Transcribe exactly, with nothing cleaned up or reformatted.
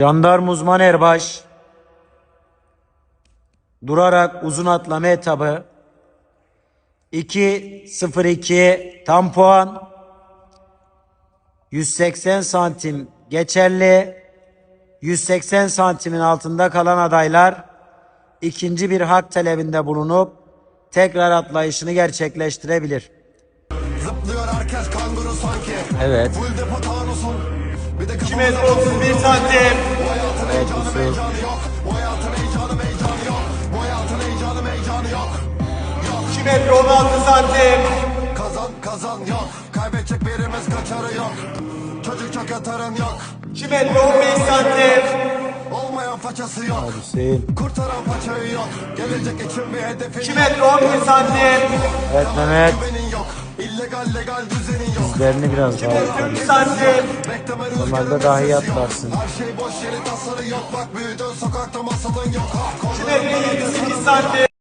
Jandarma uzman erbaş durarak uzun atlama etabı iki sıfır iki tam puan yüz seksen santim geçerli. yüz seksen santimin altında kalan adaylar ikinci bir hak talebinde bulunup tekrar atlayışını gerçekleştirebilir. Zıplıyor herkes kanguru sanki. Evet. Full depo tanusun. Bir de iki metre otuz bir santim. Bu hayatın Evet, heyecanı Yusuf. heyecanı yok. Bu hayatın heyecanı heyecanı yok. Bu hayatın heyecanı heyecanı yok. iki metre on altı santim. Kazan kazan yok. Kaybedecek birimiz kaçarı yok. Çocuk çok yatarın yok. iki metre on beş santim. Olmayan façası yok. Hüseyin. Kurtaran paçayı yok. Gelecek için bir hedefin iki yok. metre on bir santim. Evet Mehmet. Güvenin yok. İllegal legal düzenin yok. Dizlerini biraz daha üç yukarı. santim. Bekleme Normalde rüzgarın daha iyi sesi yok. atlarsın. Her şey boş yeri tasarı yok. Bak büyüdün sokakta masalın yok. Ah, iki metre yirmi sekiz santim.